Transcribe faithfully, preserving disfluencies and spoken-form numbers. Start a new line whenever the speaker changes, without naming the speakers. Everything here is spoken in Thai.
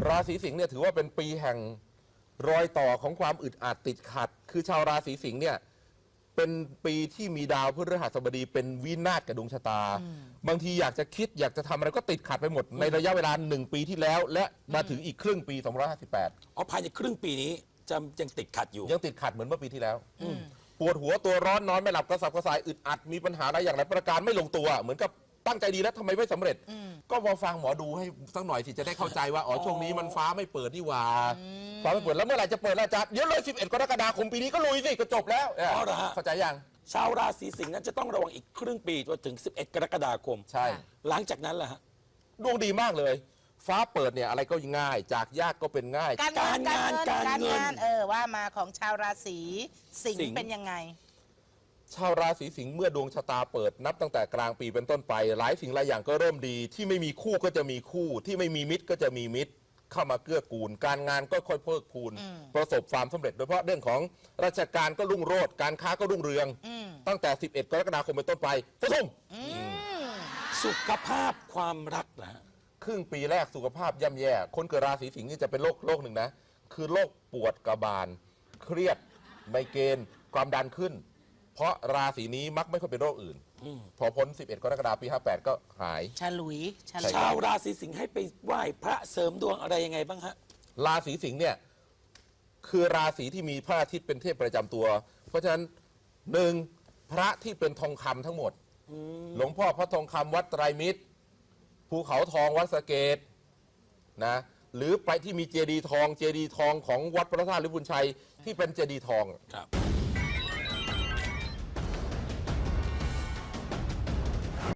ราศีสิงห์เนี่ยถือว่าเป็นปีแห่งรอยต่อของความอึดอัดติดขัดคือชาวราศีสิงห์เนี่ยเป็นปีที่มีดาวพฤหัสบดีเป็นวินาศกับดวงชะตาบางทีอยากจะคิดอยากจะทำอะไรก็ติดขัดไปหมดในระยะเวลาหนึ่งปีที่แล้วและมาถึงอีกครึ่งปีสองพันห้าร้อยห้าสิบแปด
อ๋อภายในครึ่งปีนี้จะยังติดขัดอยู่
ยังติดขัดเหมือนเมื่อปีที่แล้วปวดหัวตัวร้อนนอนไม่หลับกระสับกระส่ายอึดอัดมีปัญหาอะไรอย่างไรประการไม่ลงตัวเหมือนกับตั้งใจดีแล้วทำไมไม่สำเร็จก็มาฟังหมอดูให้สักหน่อยสิจะได้เข้าใจว่าอ๋อช่วงนี้มันฟ้าไม่เปิดนี่หว่าฟ้าไม่เปิดแล้วเมื่อไหร่จะเปิดแล้วจ๊ะเดี๋ยวเลยสิบเอ็ดกรกฎาคมปีนี้ก็ลุยสิก็จบแล้วเข้าใจยัง
ชาวราศีสิงห์นั้นจะต้องระวังอีกครึ่งปีจนถึงสิบเอ็ดกรกฎาคม
ใช่
หลังจากนั้นล่ะฮะ
ดวงดีมากเลยฟ้าเปิดเนี่ยอะไรก็ง่ายจากยากก็เป็นง่าย
การงานการเงินเออว่ามาของชาวราศีสิงห์เป็นยังไง
ชาวราศีสิงห์เมื่อดวงชะตาเปิดนับตั้งแต่กลางปีเป็นต้นไปหลายสิ่งหลายอย่างก็เริ่มดีที่ไม่มีคู่ก็จะมีคู่ที่ไม่มีมิตรก็จะมีมิตรเข้ามาเกื้อกูลการงานก็ค่อยเพิ่มพูนประสบความสำเร็จโดยเฉพาะเรื่องของราชการก็รุ่งโรจน์การค้าก็รุ่งเรืองตั้งแต่สิบเอ็ดกรกฎาคมเป็นต้นไปฟังทุ่ม
สุขภาพความรักนะ
ครึ่งปีแรกสุขภาพย่ำแย่คนเกิดราศีสิงห์นี่จะเป็นโรคโรคหนึ่งนะคือโรคปวดกระบาลเครียดไมเกรนความดันขึ้นเพราะราศีนี้มักไม่ค่อยเป็นโรคอื่นพอพ้นสิบเอ็ดกรกฎาคมปีห้าแปดก็หาย
ฉลุย
ชาวราศีสิงห์ให้ไปไหว้พระเสริมดวงอะไรยังไงบ้างฮะ
ราศีสิงห์เนี่ยคือราศีที่มีพระอาทิตย์เป็นเทพประจำตัวเพราะฉะนั้นหนึ่งพระที่เป็นทองคำทั้งหมดหลวงพ่อพระทองคำวัดไตรมิตรภูเขาทองวัดสะเกษนะหรือไปที่มีเจดีย์ทองเจดีย์ทองของวัดพระธาตุลิพุนชัยที่เป็นเจดีย์ทอง
ครับ